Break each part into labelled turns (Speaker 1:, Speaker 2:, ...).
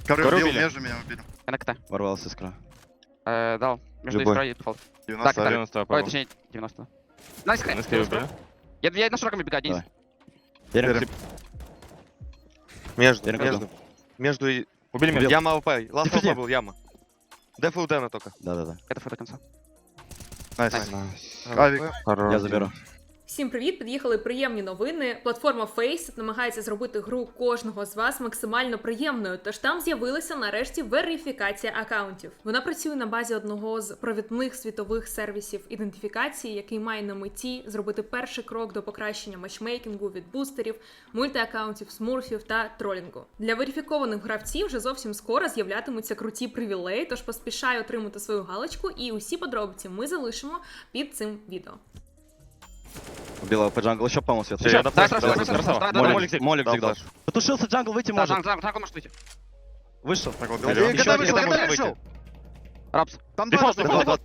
Speaker 1: Коры
Speaker 2: Коры
Speaker 1: убил,
Speaker 2: убили.
Speaker 1: между меня убили.
Speaker 3: КТ.
Speaker 2: Ворвался искра.
Speaker 3: Дал. Между
Speaker 2: Любой.
Speaker 3: искрой и дефолт.
Speaker 1: 90.
Speaker 3: Так,
Speaker 4: 90
Speaker 3: Ой,
Speaker 4: попал.
Speaker 3: точнее, 90. Найс,
Speaker 4: На скейе убили.
Speaker 3: Я на широком бегаю, Денис.
Speaker 2: Давай.
Speaker 1: Верим.
Speaker 5: Между,
Speaker 2: Верим,
Speaker 5: между. Между и...
Speaker 4: Убили меня.
Speaker 2: Убил.
Speaker 5: Яма АВП. Ласт
Speaker 2: Дефьюзи.
Speaker 5: АВП был, яма. Деф и удена только.
Speaker 2: Да-да-да.
Speaker 3: Это фу до конца.
Speaker 1: Найс.
Speaker 3: Найс.
Speaker 1: Авик.
Speaker 2: Я заберу.
Speaker 6: Всім привіт! Під'їхали приємні новини. Платформа Faceit намагається зробити гру кожного з вас максимально приємною, тож там з'явилася нарешті верифікація акаунтів. Вона працює на базі одного з провідних світових сервісів ідентифікації, який має на меті зробити перший крок до покращення матчмейкінгу від бустерів, мультиакаунтів, смурфів та тролінгу. Для верифікованих гравців вже зовсім скоро з'являтимуться круті привілеї, тож поспішай отримати свою галочку, і усі подробиці ми залишимо під цим відео.
Speaker 2: Убила по джангл, еще, по-моему, свет.
Speaker 4: Еще,
Speaker 3: Да, сразу, сразу. Давай.
Speaker 2: Молик
Speaker 5: Дал
Speaker 2: зиг дал.
Speaker 5: флеш.
Speaker 2: Потушился джангл, выйти
Speaker 3: Да,
Speaker 2: может.
Speaker 3: Джангл может выйти.
Speaker 2: Вышел.
Speaker 5: Так вот,
Speaker 1: Один
Speaker 5: берем.
Speaker 1: КТ
Speaker 5: Еще
Speaker 1: вышел,
Speaker 5: КТ
Speaker 1: КТ
Speaker 5: может
Speaker 1: вышел.
Speaker 5: выйти.
Speaker 3: Рапс.
Speaker 1: Там
Speaker 4: Дефолт,
Speaker 1: два.
Speaker 4: дефолт.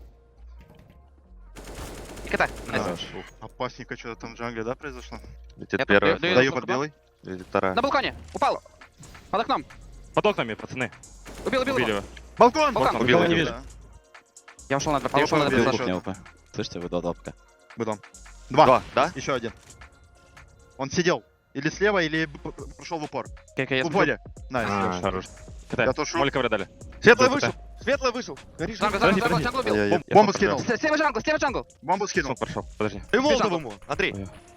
Speaker 3: И КТ. Найс.
Speaker 5: Хорош.
Speaker 1: Опасненько что-то там в джангле, да, произошло?
Speaker 5: Летит
Speaker 3: Я
Speaker 5: первая.
Speaker 3: даю
Speaker 1: Даю
Speaker 3: сколько
Speaker 1: под белый.
Speaker 5: Летит вторая.
Speaker 3: На балконе. Упал. Под окном.
Speaker 4: Под окнами, пацаны.
Speaker 3: Убил
Speaker 4: Убили
Speaker 3: его.
Speaker 4: его.
Speaker 1: Балкон!
Speaker 3: Балкон.
Speaker 5: Убил,
Speaker 2: не
Speaker 5: убил.
Speaker 2: вижу.
Speaker 1: Да.
Speaker 3: Я ушел на дверь.
Speaker 1: А
Speaker 3: Я ушел на
Speaker 1: ушел
Speaker 3: дверь.
Speaker 1: на
Speaker 2: Кухня
Speaker 1: дверь.
Speaker 2: ОП. Слышите, вы додапка.
Speaker 1: Быдом. Два.
Speaker 5: Два, да?
Speaker 1: Еще один. Он сидел. Или слева, или прошел в упор.
Speaker 3: Окей, я
Speaker 1: В
Speaker 3: смотрю.
Speaker 1: упоре. Найс.
Speaker 4: Хорош.
Speaker 1: Я
Speaker 4: КТ.
Speaker 1: тушу.
Speaker 4: Молика врядали.
Speaker 5: Светлый
Speaker 4: Был
Speaker 5: вышел. Светлый вышел. Горишь.
Speaker 3: Джангл,
Speaker 4: Подожди,
Speaker 3: джангл,
Speaker 4: подожди.
Speaker 3: джангл убил.
Speaker 1: Я
Speaker 4: Я
Speaker 1: бомбу
Speaker 4: сам
Speaker 1: скинул.
Speaker 3: Слева джангл.
Speaker 1: Бомбу скинул.
Speaker 4: Смог прошел. Подожди.
Speaker 5: И молотов
Speaker 3: Бежал.
Speaker 5: ему. Андрей.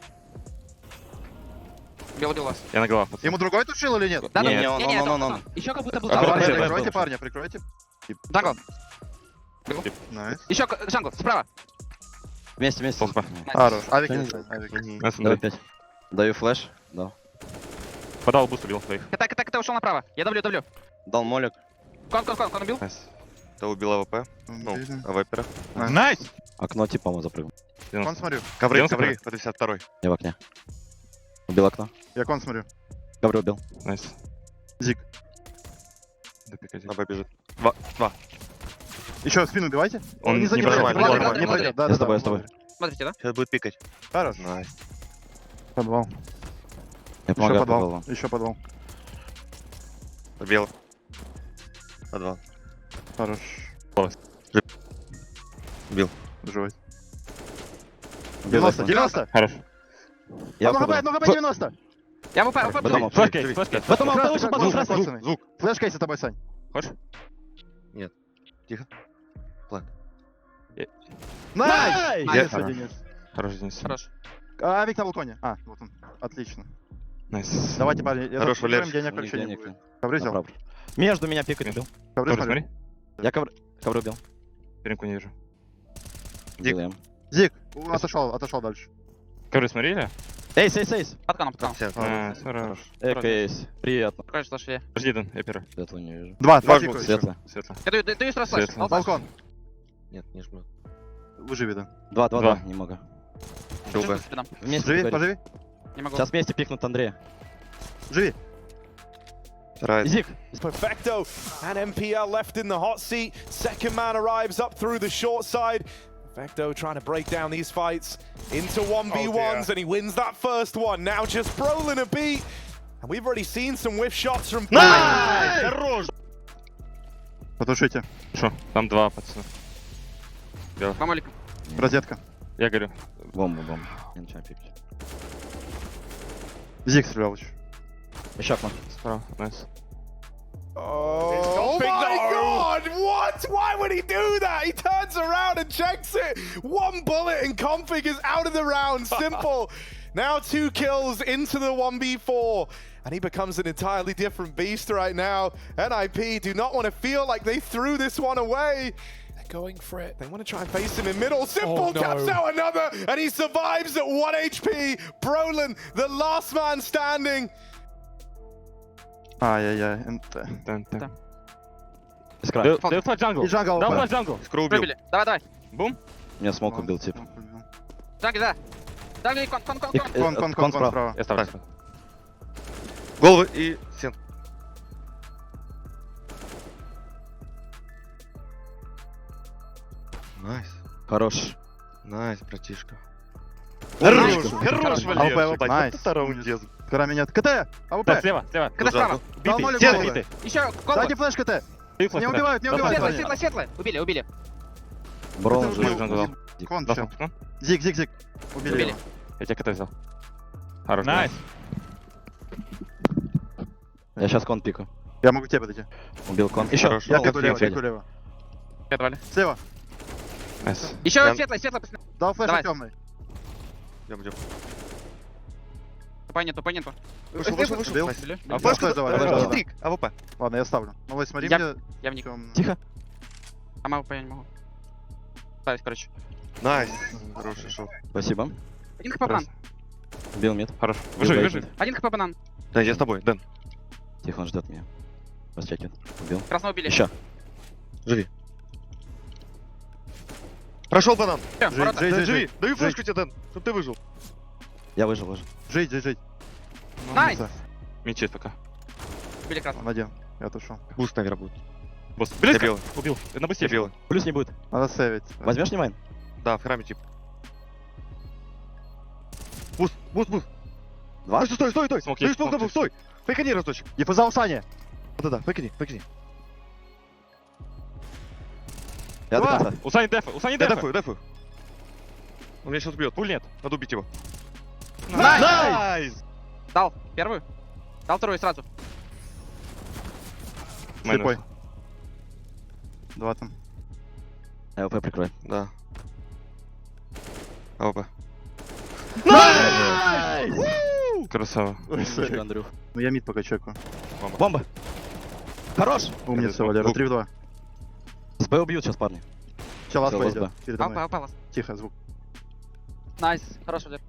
Speaker 3: Убил вас.
Speaker 4: Я на головах, пацаны.
Speaker 1: Ему другой тушил или нет?
Speaker 3: Да,
Speaker 2: Не,
Speaker 3: да,
Speaker 2: он,
Speaker 3: это
Speaker 2: он.
Speaker 3: он. Еще как будто был
Speaker 4: А,
Speaker 3: джангл.
Speaker 4: подожди,
Speaker 1: Прикройте,
Speaker 4: подожди.
Speaker 1: парня, прикройте.
Speaker 3: Джангл.
Speaker 1: Найс.
Speaker 3: Еще джангл, справа.
Speaker 2: Вместе.
Speaker 4: Толпа.
Speaker 1: Хорош. Авик.
Speaker 2: Что-нибудь?
Speaker 1: Авик.
Speaker 4: Нас
Speaker 2: Давай
Speaker 4: Андрей.
Speaker 2: 5. Даю флеш. Дал.
Speaker 4: Подал буст, убил своих.
Speaker 3: КТ ушел направо. Я давлю.
Speaker 2: Дал молик.
Speaker 3: Кон убил.
Speaker 4: Найс.
Speaker 5: Кто убил АВП? Ну, АВПера.
Speaker 4: Найс!
Speaker 2: Окно типа, по-моему, запрыгнул.
Speaker 1: Кон смотрю.
Speaker 5: Ковры,
Speaker 4: 90
Speaker 5: ковры. По 52-й.
Speaker 2: Я в окне. Убил окно.
Speaker 1: Я кон смотрю.
Speaker 2: Ковры убил.
Speaker 4: Найс.
Speaker 1: Зиг.
Speaker 4: Допикайте.
Speaker 5: АВП бежит.
Speaker 1: Еще в спину убивайте.
Speaker 4: Он не
Speaker 1: пройдет,
Speaker 4: нормально,
Speaker 1: не
Speaker 3: нормально.
Speaker 1: пройдет, не пройдет. Да,
Speaker 2: Я
Speaker 1: да,
Speaker 2: с тобой,
Speaker 1: да.
Speaker 2: я с тобой.
Speaker 3: Смотрите, да?
Speaker 5: Сейчас будет пикать.
Speaker 1: Хорош.
Speaker 5: Найс.
Speaker 1: Подвал.
Speaker 2: Я
Speaker 1: Еще
Speaker 2: помогаю
Speaker 1: подвал.
Speaker 2: подвалу.
Speaker 1: Еще подвал.
Speaker 5: Побел. Подвал.
Speaker 1: Хорош.
Speaker 5: Убил.
Speaker 1: Живой.
Speaker 2: Убил
Speaker 1: 90,
Speaker 2: окно.
Speaker 1: 90.
Speaker 4: Хорош.
Speaker 2: Я
Speaker 1: Одно хп,
Speaker 2: подвал.
Speaker 1: одно хп, 90.
Speaker 3: Я ВП,
Speaker 2: Потом
Speaker 4: Флэшкейс, флэшкейс.
Speaker 2: Потом
Speaker 1: Красный,
Speaker 2: вышел,
Speaker 1: звук,
Speaker 2: потом
Speaker 1: звук,
Speaker 2: красный.
Speaker 1: звук, звук. Флешкейс за тобой, Сань.
Speaker 4: Хочешь?
Speaker 1: Найс!
Speaker 2: Найс!
Speaker 1: Найс, Денис.
Speaker 4: Хорош, Денис.
Speaker 3: Хорош.
Speaker 1: Авик на балконе. А, вот он. Отлично.
Speaker 4: Найс.
Speaker 1: Давайте, парни. Я
Speaker 5: Хорош,
Speaker 1: тут заберем,
Speaker 5: Валерий.
Speaker 1: денег
Speaker 2: У них
Speaker 1: вообще не
Speaker 2: денег
Speaker 1: будет.
Speaker 2: нет.
Speaker 1: Ковры взял.
Speaker 2: Направо. Между меня пикать убил.
Speaker 1: Ковры
Speaker 4: Тоже
Speaker 1: смотрю.
Speaker 4: смотри.
Speaker 2: Я ковры убил.
Speaker 4: Перемку не вижу.
Speaker 2: Убил я.
Speaker 1: Зиг. Отошел дальше.
Speaker 4: Ковры смотрели?
Speaker 2: Эйс.
Speaker 3: Под коном.
Speaker 5: Все.
Speaker 4: Найс, хорош.
Speaker 2: Эйс. Приятно.
Speaker 3: Покажешь, что шве.
Speaker 4: Подожди, Дэн, я первый.
Speaker 2: Светлую не вижу.
Speaker 1: Два
Speaker 5: Два
Speaker 1: пикают.
Speaker 2: Светло.
Speaker 4: Светло.
Speaker 3: Я даю сразу флеш.
Speaker 4: Светло.
Speaker 1: Балкон.
Speaker 5: Нет, не жмет.
Speaker 1: Выживи, да.
Speaker 2: Два.
Speaker 4: Два.
Speaker 2: Немного.
Speaker 5: Долго.
Speaker 2: Вместе
Speaker 1: Живи,
Speaker 2: поговорим.
Speaker 1: поживи.
Speaker 3: Не могу.
Speaker 2: Сейчас вместе пикнут Андрея.
Speaker 1: Живи.
Speaker 5: Вторая.
Speaker 2: Зиг.
Speaker 7: Perfecto and MPL left in the hot seat. Second man arrives up through the short side. Perfecto trying to break down these fights into 1v1s and he wins that first one. Now just Brolin a beat. And we've already seen some whiff shots from
Speaker 5: Хорош!
Speaker 1: Потушите.
Speaker 4: Шо? Там два, пацаны.
Speaker 3: Мамолик.
Speaker 1: Розетка.
Speaker 4: Я говорю.
Speaker 2: Бомбу. Я начинаю пикать.
Speaker 1: Зиг стрелял еще.
Speaker 2: Еще окно.
Speaker 4: Справа. Найс.
Speaker 7: Oh my god! What? Why would he do that? He turns around and checks it. One bullet and Config is out of the round. Simple. Now 2 kills into the 1v4. And he becomes an entirely different beast right now. NIP do not want to feel like they threw this one away. They're going for it. They want to try and face him in middle. Simple taps out another. And he survives at 1 HP. Brolin, the last man standing.
Speaker 1: Ай-яй-яй. НТ.
Speaker 4: Дэн.
Speaker 2: Искра.
Speaker 4: Даю флэш джангл.
Speaker 1: И джангл
Speaker 4: Дал
Speaker 1: АВП.
Speaker 4: флэш джангл.
Speaker 5: Скру убил.
Speaker 3: Пробили. Давай.
Speaker 4: Бум.
Speaker 2: Меня смог убил тип.
Speaker 3: Джангл, да. Джангл, кон.
Speaker 1: Кон справа.
Speaker 4: Я ставлю.
Speaker 5: Головы и стен. Найс.
Speaker 2: Хорош.
Speaker 5: Найс, братишка. Хорош,
Speaker 1: Хорош.
Speaker 5: хорош,
Speaker 1: АВП,
Speaker 5: Валерчик.
Speaker 1: АВП,
Speaker 5: Вот
Speaker 1: найс.
Speaker 5: это раундез.
Speaker 1: Кора меня. КТ! АВП!
Speaker 4: Да, слева, слева.
Speaker 3: КТ справа.
Speaker 1: Дал
Speaker 4: Битый,
Speaker 1: молик
Speaker 5: Стены,
Speaker 1: головы.
Speaker 4: битый.
Speaker 3: Еще колба.
Speaker 1: Дайте флеш КТ!
Speaker 4: Ты флеш,
Speaker 1: Не
Speaker 4: да.
Speaker 1: убивают, не
Speaker 4: Да,
Speaker 1: убивают.
Speaker 3: Светлое,
Speaker 1: Ваня.
Speaker 3: светлое, светлое. Убили, убили.
Speaker 2: Бро,
Speaker 1: Это
Speaker 2: жив.
Speaker 1: уже
Speaker 4: Джангл дал.
Speaker 1: Кон,
Speaker 4: Да,
Speaker 1: всё.
Speaker 4: ну,
Speaker 1: Зиг, зиг, зиг. Убили
Speaker 3: Убили.
Speaker 1: его.
Speaker 4: я тебе КТ взял. Хорош.
Speaker 3: Найс.
Speaker 2: Я сейчас кон пику.
Speaker 1: Я могу к тебе подойти.
Speaker 2: Убил кон. Еще.
Speaker 5: Хорош.
Speaker 1: Я
Speaker 5: Ну,
Speaker 1: пику лево,
Speaker 2: Федя.
Speaker 1: пику лево.
Speaker 3: Давали.
Speaker 1: Слева.
Speaker 4: Найс.
Speaker 3: Еще
Speaker 5: Я-
Speaker 3: светлое, светлое, пацаны.
Speaker 1: Дал флеш
Speaker 3: Давай.
Speaker 1: темный.
Speaker 5: Идем.
Speaker 3: Тупай нету, тупай нету.
Speaker 5: Вышел, вышел, вышел.
Speaker 1: Бил.
Speaker 5: Найс.
Speaker 3: Убили.
Speaker 1: А
Speaker 5: Флешку
Speaker 1: флеш давай, флеш
Speaker 5: давай.
Speaker 1: давай.
Speaker 5: Хитрик, АВП.
Speaker 1: Ладно, я ставлю. Ну, смотри
Speaker 3: Я-
Speaker 1: мне.
Speaker 3: Я в них.
Speaker 2: Тихо.
Speaker 3: А могу, я не могу. Ставить, короче.
Speaker 5: Найс. Хороший шот.
Speaker 2: Спасибо.
Speaker 3: Один хп банан.
Speaker 2: Убил мид.
Speaker 4: Хорош. Выживи,
Speaker 2: Бил
Speaker 4: выживи.
Speaker 2: бейт.
Speaker 3: Один хп банан.
Speaker 5: Дэн, я с тобой, Дэн.
Speaker 2: Тихо, он ждет меня. Расчекивает. Убил.
Speaker 3: Красного убили.
Speaker 2: Еще.
Speaker 5: Живи. Прошел банан.
Speaker 3: Всё,
Speaker 1: Жить,
Speaker 3: ворота.
Speaker 1: жить,
Speaker 5: Дэн,
Speaker 1: жить,
Speaker 5: живи.
Speaker 1: жить.
Speaker 5: Даю флешку тебе, Дэн, чтоб ты выжил.
Speaker 2: Я выжил.
Speaker 1: Жить, жить, жить.
Speaker 3: Найс.
Speaker 4: Мечи пока.
Speaker 3: Убили красного.
Speaker 1: Он один. Я отошел.
Speaker 5: Буст, наверное, будет.
Speaker 4: Босс.
Speaker 5: Я
Speaker 4: Близко.
Speaker 5: белый.
Speaker 4: Убил. На
Speaker 5: Я
Speaker 4: быстрее.
Speaker 5: белый.
Speaker 2: Плюс не будет.
Speaker 1: Надо сейвить.
Speaker 2: Возьмешь не майн?
Speaker 5: Да, в храме тип. Буст, буст, буст.
Speaker 2: Два?
Speaker 5: Стой, стой, стой.
Speaker 4: Смок
Speaker 5: Даю
Speaker 4: есть,
Speaker 5: смок,
Speaker 4: смок
Speaker 5: дабл,
Speaker 4: есть.
Speaker 5: стой. Фейкани разочек.
Speaker 1: Диффуза у Сани.
Speaker 5: Да-да, фейкани.
Speaker 2: Я до
Speaker 1: Два.
Speaker 2: конца.
Speaker 4: У Сани дефа. У Сани
Speaker 5: Я
Speaker 4: дефа.
Speaker 5: дефаю. Он меня сейчас убьет.
Speaker 4: Пуль нет.
Speaker 5: Надо убить его.
Speaker 3: Найс. Дал первую. Дал вторую сразу.
Speaker 1: Слепой. Два там.
Speaker 2: АВП прикрой.
Speaker 5: Да. АВП.
Speaker 4: Красава.
Speaker 2: Умничка, Андрюх.
Speaker 1: Ну я мид пока чекаю.
Speaker 2: Бомба. Хорош.
Speaker 1: Умница, Валера. 3 в 2.
Speaker 2: С Б убьют сейчас парни.
Speaker 1: Чел лаз
Speaker 2: Всё,
Speaker 1: пойдет.
Speaker 2: лаз
Speaker 1: Передо мной.
Speaker 3: Апа.
Speaker 1: Тихо, звук.
Speaker 3: Найс. Хорош, Валер.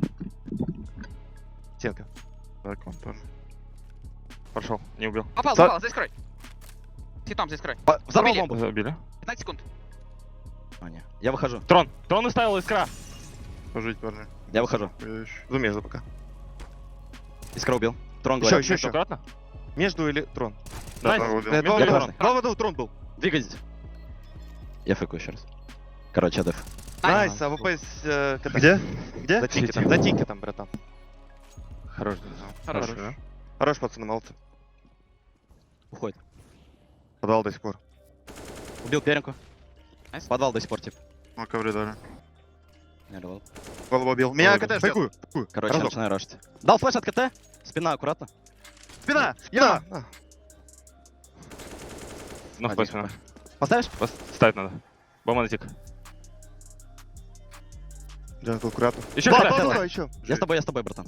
Speaker 5: Стенка.
Speaker 1: Так, он тоже.
Speaker 4: Прошел. Не убил.
Speaker 3: Попал, здесь крой. Хитом, здесь крой.
Speaker 2: Взорвал
Speaker 3: Убили.
Speaker 2: бомбу.
Speaker 4: Забили.
Speaker 3: 15 секунд.
Speaker 2: А, не. Я выхожу.
Speaker 4: Трон. Трон выставил искра.
Speaker 1: Пожить, парни.
Speaker 2: Я выхожу.
Speaker 5: Жду между пока.
Speaker 2: Искра убил. Трон
Speaker 5: Еще,
Speaker 2: говорит.
Speaker 5: еще.
Speaker 4: Аккуратно.
Speaker 5: Между или трон?
Speaker 4: Найс.
Speaker 1: Трон убил.
Speaker 5: Два
Speaker 2: Я
Speaker 5: воду,
Speaker 2: красный.
Speaker 5: два воду, трон был.
Speaker 2: Двигайтесь. Я фейку еще раз. Короче, деф.
Speaker 5: Найс, АВП с КТ.
Speaker 1: Где? Где?
Speaker 5: За тикетом, братан.
Speaker 4: Хорош.
Speaker 3: Хорош.
Speaker 5: Хорош, пацаны, молодцы.
Speaker 2: Уходит.
Speaker 5: Подал до сих пор.
Speaker 2: Убил перенку.
Speaker 3: Найс.
Speaker 2: Подвал до сих пор, тип.
Speaker 1: Ну, ковры дали.
Speaker 2: Не рвал.
Speaker 1: Голову убил. Меня КТ ждет.
Speaker 5: Фейкую.
Speaker 2: Короче,
Speaker 5: Разок.
Speaker 2: я начинаю рашить. Дал флеш от КТ. Спина аккуратно.
Speaker 1: Спина!
Speaker 5: Я!
Speaker 4: Ну,
Speaker 2: Один.
Speaker 4: пойдем.
Speaker 2: Поставишь?
Speaker 4: Ставить надо. Бомба на тик.
Speaker 5: Джангл, аккуратно.
Speaker 4: Еще
Speaker 5: Два,
Speaker 4: КТ.
Speaker 5: два, еще.
Speaker 2: Я с тобой, братан.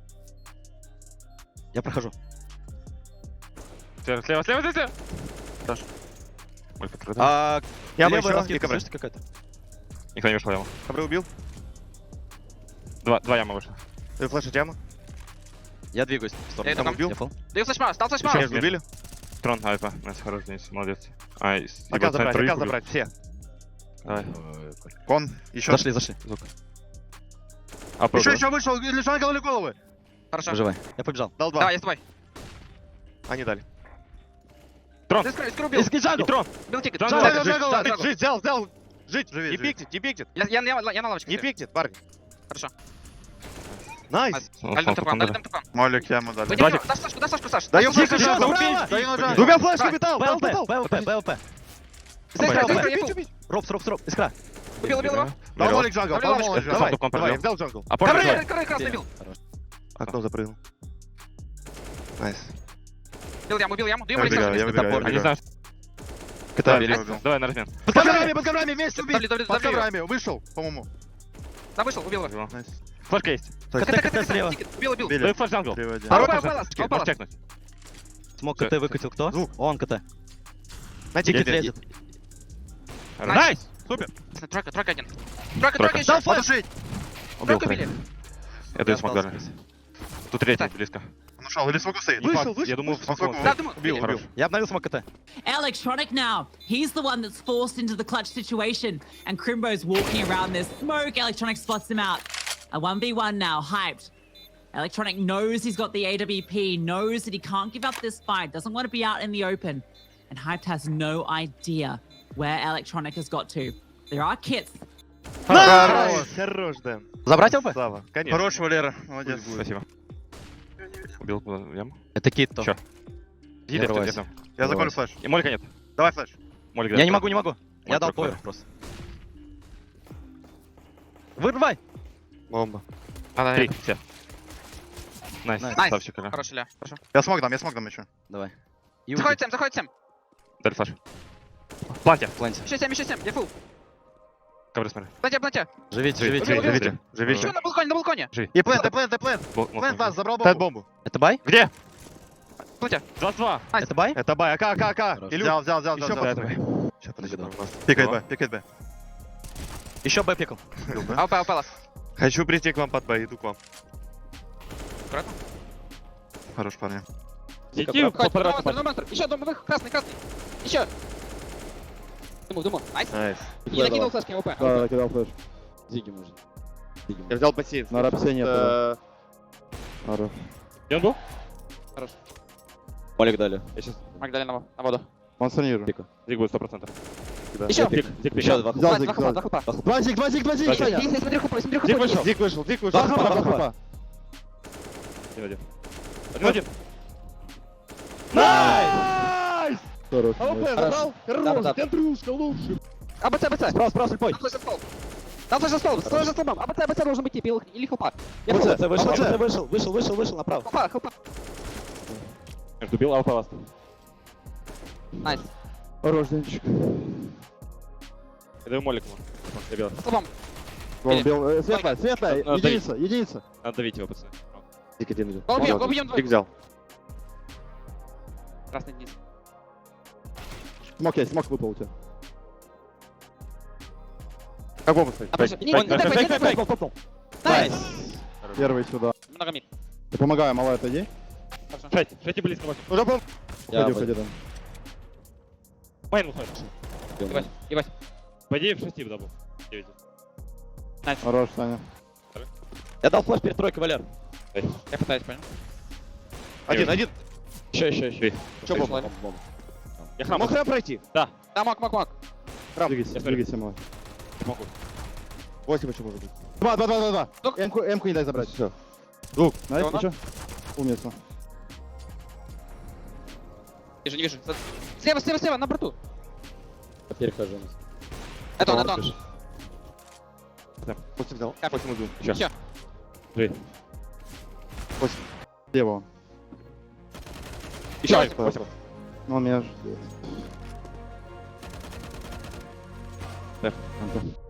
Speaker 2: Я прохожу.
Speaker 4: Слева. Хорош. Ой, прикрыто.
Speaker 2: А,
Speaker 5: Яма
Speaker 2: левая
Speaker 5: еще,
Speaker 2: раскидка,
Speaker 5: и ковры.
Speaker 2: слышите, какая-то?
Speaker 4: Никто не вышел яму.
Speaker 5: Ковры убил.
Speaker 4: Два ямы вышло.
Speaker 5: Флеш от ямы.
Speaker 2: Я двигаюсь в сторону.
Speaker 3: Я иду,
Speaker 5: убил.
Speaker 2: Я фол.
Speaker 3: Даю флешмаус, стал
Speaker 5: Еще
Speaker 3: флешмаус.
Speaker 5: между убили.
Speaker 4: Трон, АВП. Найс, хорош, Денис. Молодец. Ай,
Speaker 5: АК забрать, все.
Speaker 4: Давай.
Speaker 1: Кон. Еще.
Speaker 2: Зашли.
Speaker 4: АП.
Speaker 1: Еще вышел. Или жангл, или головы.
Speaker 3: Хорошо.
Speaker 2: Выживай. Я побежал.
Speaker 5: Дал два.
Speaker 3: Давай, я с тобой.
Speaker 5: Они дали.
Speaker 4: Трон.
Speaker 3: Здесь крой убил.
Speaker 2: Иски
Speaker 4: И
Speaker 2: джангл.
Speaker 4: трон.
Speaker 3: Бил тикет.
Speaker 4: Джангл,
Speaker 3: Джангл,
Speaker 5: Жить,
Speaker 3: джангл, джангл.
Speaker 5: жить, взял. Жить,
Speaker 1: Живи,
Speaker 5: не
Speaker 1: живи.
Speaker 5: пикнет, не пикнет.
Speaker 3: Я на лавочке.
Speaker 5: Не
Speaker 3: стою.
Speaker 5: пикнет, парни.
Speaker 3: Хорошо.
Speaker 5: Найс.
Speaker 3: Альдем тупан, альдем тупан.
Speaker 1: Молик яму дали.
Speaker 3: Выйди, дай флешку, Саш.
Speaker 1: Даю
Speaker 3: Дай
Speaker 1: флешку,
Speaker 3: флешку.
Speaker 1: джангл.
Speaker 2: справа!
Speaker 1: Даю на джангл.
Speaker 5: Двумя флешками
Speaker 3: Давай.
Speaker 5: дал,
Speaker 2: БЛП.
Speaker 3: Здесь крой, здесь крой, я
Speaker 2: Робс.
Speaker 3: фул.
Speaker 2: Робс. Искра.
Speaker 3: Убил его.
Speaker 1: Дал молик джангл. Дал
Speaker 3: Давай,
Speaker 1: молик
Speaker 4: давай.
Speaker 1: джангл.
Speaker 4: Сам
Speaker 5: Давай,
Speaker 4: побил.
Speaker 5: взял джангл.
Speaker 4: АП.
Speaker 3: Крой красный бил.
Speaker 5: Окно запрыгнул. Найс.
Speaker 3: Бил яму. Даю
Speaker 1: Я
Speaker 3: молик
Speaker 1: выбегаю,
Speaker 3: сразу.
Speaker 1: я выбегаю.
Speaker 4: Они знают.
Speaker 1: КТ
Speaker 4: Били.
Speaker 1: убил.
Speaker 4: Давай на размен.
Speaker 1: Под коврами вместе убить.
Speaker 3: Давли,
Speaker 1: Под коврами. Вышел, по-моему.
Speaker 3: Да, вышел, убил его.
Speaker 1: Найс.
Speaker 4: Флешка есть.
Speaker 2: КТ слева.
Speaker 3: Тикет. Убил.
Speaker 1: Убили.
Speaker 4: Даю флеш джангл.
Speaker 1: 3 в 1.
Speaker 3: Второй
Speaker 4: Можешь
Speaker 3: палас,
Speaker 4: чекнуть,
Speaker 3: палас.
Speaker 4: можешь чекнуть.
Speaker 2: Смог КТ выкатил кто?
Speaker 5: Звук.
Speaker 2: Он КТ.
Speaker 5: На
Speaker 2: Тикет
Speaker 5: тикете.
Speaker 2: лезет.
Speaker 4: Найс! Супер!
Speaker 3: Тройка один. Тройка еще.
Speaker 1: Дал флеш.
Speaker 4: Убил.
Speaker 3: Тройка убили.
Speaker 4: Я даю смог дали. Тут третий
Speaker 3: Так.
Speaker 4: близко.
Speaker 1: Он ушел. Или смогу стоит.
Speaker 5: Вышел.
Speaker 4: Я думал,
Speaker 1: Смог.
Speaker 3: Да, думаю,
Speaker 5: Убил,
Speaker 3: убили.
Speaker 5: убил.
Speaker 2: Я обновил смог КТ.
Speaker 8: Electronic now. He's the one that's forced into the clutch situation. And Crimbo's walking around this smoke. Electronic spots him out. A 1v1 now, hyped. Electronic knows he's got the AWP, knows that he can't give up this fight, doesn't want to be out in the open. And Hyped has no idea where Electronic has got to. There are kits.
Speaker 1: Хорош.
Speaker 5: Хорош, Дэн.
Speaker 2: Забрать ЛП?
Speaker 5: Сава, конечно.
Speaker 1: Хорош, Валера, молодец.
Speaker 4: Спасибо. Убил куда в яму.
Speaker 2: Это кит то.
Speaker 4: Чё? Гиля,
Speaker 2: врывайся.
Speaker 4: где там?
Speaker 1: Я заколю флеш.
Speaker 4: И молика нет.
Speaker 1: Давай флеш.
Speaker 4: Молик,
Speaker 2: Я не могу, не могу. Я дал
Speaker 4: прокол.
Speaker 2: поверх просто. Вырывай!
Speaker 5: Бомба.
Speaker 4: Три, все. Найс,
Speaker 2: Найс.
Speaker 4: красавчик, Илья.
Speaker 3: Хороший ля. Хорошо.
Speaker 1: Я смог дам еще.
Speaker 2: Давай. И
Speaker 3: Заходит 7, заходит 7.
Speaker 4: Дали флеш. Планте.
Speaker 2: Планте.
Speaker 3: Еще 7, еще 7. Я фул.
Speaker 4: Ковры смотри.
Speaker 3: Планте, планте.
Speaker 2: Живите,
Speaker 4: Живите,
Speaker 2: живите.
Speaker 4: живите. Живите.
Speaker 3: Еще на балконе, на балконе.
Speaker 1: И плент. Плент вас, забрал
Speaker 5: Тед
Speaker 1: бомбу.
Speaker 5: бомбу.
Speaker 2: Это бай?
Speaker 4: Где?
Speaker 3: Планте.
Speaker 4: 22.
Speaker 2: Это бай?
Speaker 5: Это бай, АК.
Speaker 2: Хорош.
Speaker 5: Илюх.
Speaker 1: Взял.
Speaker 5: Еще
Speaker 4: Да,
Speaker 5: под
Speaker 4: давай.
Speaker 5: Сейчас, подожди,
Speaker 2: Догадал.
Speaker 5: у нас.
Speaker 1: Пикает Б.
Speaker 2: Еще бай пикал.
Speaker 3: АВП, АВП лас.
Speaker 5: Хочу прийти к вам под Б, иду к вам.
Speaker 3: Аккуратно.
Speaker 1: Хорош, парни.
Speaker 4: Иди,
Speaker 3: Ходит. На монстр. Еще, дом, красный. Еще. Думаю. Найс.
Speaker 5: Найс.
Speaker 3: И накинул флешки АВП.
Speaker 9: Да, кидал флеш.
Speaker 2: Зиги можно.
Speaker 5: Я взял бассейн.
Speaker 9: На рапсе нет.
Speaker 5: Э,
Speaker 9: Ара.
Speaker 4: Где он был?
Speaker 2: Молик дали.
Speaker 5: Я сейчас...
Speaker 3: Магдалина на воду.
Speaker 9: Он санирует.
Speaker 4: Зиг будет 100%.
Speaker 3: Еще.
Speaker 4: Зиг
Speaker 2: Еще два.
Speaker 9: Взял
Speaker 3: Два
Speaker 9: зиг,
Speaker 3: хупа,
Speaker 9: взял.
Speaker 3: два хупа.
Speaker 9: Два зиг,
Speaker 3: Смотри хупа, смотри хупа.
Speaker 4: Зиг вышел.
Speaker 5: Зиг вышел.
Speaker 9: Два хапа.
Speaker 4: Один.
Speaker 9: Найс! Хорош.
Speaker 3: Хорош.
Speaker 9: Хорош, Андрюшка, лучше.
Speaker 3: АБЦ.
Speaker 9: Справа, слепой.
Speaker 3: Там флеш за стол. Стой за столбом. АБЦ должен быть или хупа. Я
Speaker 9: АБЦ,
Speaker 3: хупа.
Speaker 2: вышел направо.
Speaker 3: Хупа.
Speaker 4: Между бил, а упал ласт.
Speaker 3: Найс.
Speaker 9: Хорош, Денчик.
Speaker 4: Я даю молик ему. Я бил.
Speaker 3: За столбом.
Speaker 9: Вон, светлая.
Speaker 4: Ну,
Speaker 9: Единица.
Speaker 4: Надо давить его, пацаны.
Speaker 5: Зиг один идет.
Speaker 3: Убьем
Speaker 5: Зиг
Speaker 3: двоих.
Speaker 5: взял.
Speaker 3: Красный низ.
Speaker 9: Смок выпал у тебя.
Speaker 5: Как бомба стоит?
Speaker 3: Фейк. Найс.
Speaker 9: Первый сюда.
Speaker 3: Много мид.
Speaker 9: Я помогаю, малая, отойди.
Speaker 3: Хорошо.
Speaker 4: Шети близко.
Speaker 5: Уже бомба.
Speaker 9: Уходи там.
Speaker 4: Майн выходит.
Speaker 3: Ебать.
Speaker 4: По идее в 6 дабл. 9.
Speaker 9: Хорош, Саня.
Speaker 2: Я дал флеш перед тройкой, Валер.
Speaker 3: Я пытаюсь, понял?
Speaker 5: Один.
Speaker 2: Еще.
Speaker 5: Че бомба?
Speaker 4: Я храм.
Speaker 5: Мог прям пройти?
Speaker 3: Да, мог.
Speaker 9: Двигайся, малая.
Speaker 4: Могу.
Speaker 5: 8 еще может быть.
Speaker 9: Два.
Speaker 3: Дух.
Speaker 9: Эмку не дай забрать.
Speaker 5: Все.
Speaker 9: Найс,
Speaker 3: Говно.
Speaker 9: ничего. Умница.
Speaker 3: Вижу, не вижу. Слева, на борту.
Speaker 2: Перехожу.
Speaker 3: Это он.
Speaker 5: 8 взял.
Speaker 3: Капель.
Speaker 5: 8 убил.
Speaker 3: Еще.
Speaker 9: Слева он.
Speaker 4: Еще
Speaker 5: Найс,
Speaker 4: 8.
Speaker 9: Он меня ждет.
Speaker 4: Да.
Speaker 9: Антон.